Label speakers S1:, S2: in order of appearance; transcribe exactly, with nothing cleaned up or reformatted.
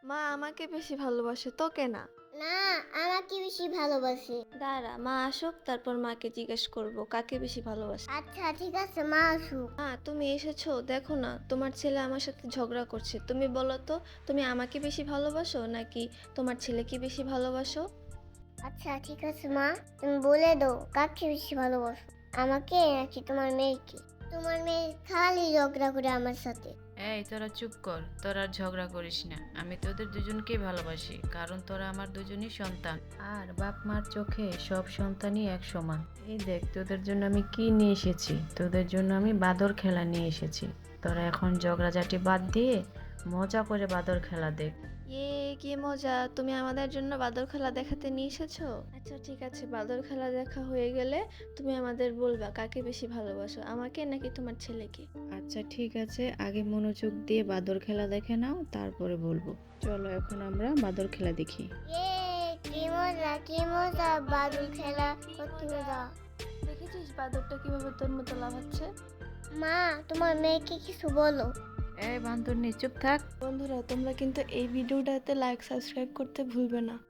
S1: মা আমাকে বেশি ভালোবাসে তোকে না।
S2: না, আমাকে বেশি ভালোবাসে।
S1: দাঁড়া মা আসুক, তারপর মাকে জিজ্ঞেস করব কাকে বেশি ভালোবাসে।
S2: আচ্ছা ঠিক আছে, মা আসুক।
S1: মা তুমি এসেছো, দেখো না তোমার ছেলে আমার সাথে ঝগড়া করছে। তুমি বলো তো, তুমি আমাকে বেশি ভালোবাসো নাকি তোমার ছেলেকে বেশি ভালোবাসো?
S2: আচ্ছা ঠিক আছে মা, তুমি বলে দাও কাকে বেশি ভালোবাসো, আমাকে নাকি তোমার মেয়েকে? তোমার মেয়ে খালি ঝগড়া করে আমার সাথে।
S3: এই তোরা চুপ কর, তোরা আর ঝগড়া করিস না। আমি তোদের দুজনকেই ভালোবাসি, কারণ তোরা আমার দুজনই সন্তান। আর বাপ মার চোখে সব সন্তানই এক সমান। এই দেখ তোদের জন্য আমি কি নিয়ে এসেছি। তোদের জন্য আমি বাদর খেলা নিয়ে এসেছি। তোরা এখন ঝগড়াঝাটি বাদ দিয়ে মজা করে বাদর খেলা দেখ।
S1: ইয়ে কি মজা, তুমি আমাদের জন্য বাদর খেলা দেখাতে নিয়ে এসেছো? আচ্ছা ঠিক আছে, বাদর খেলা দেখা হয়ে গেলে তুমি আমাদের বলবা কাকে বেশি ভালোবাসো, আমাকে নাকি তোমার ছেলেকে।
S3: আচ্ছা ঠিক আছে, আগে মনোযোগ দিয়ে বাদর খেলা দেখে নাও, তারপরে বলবো। চলো এখন আমরা বাদর খেলা দেখি।
S2: এ কি মজা কি মজা, বাদুল খেলা কত মজা।
S1: দেখেছিস বাদরটা কিভাবে তোর মতো লাফাচ্ছে?
S2: মা তোমার মেয়েকে কিছু বলো।
S3: এই বান্দর নি, চুপ থাক।
S1: বন্ধুরা তোমরা কিন্তু এই ভিডিওটাতে লাইক সাবস্ক্রাইব করতে ভুলবে না।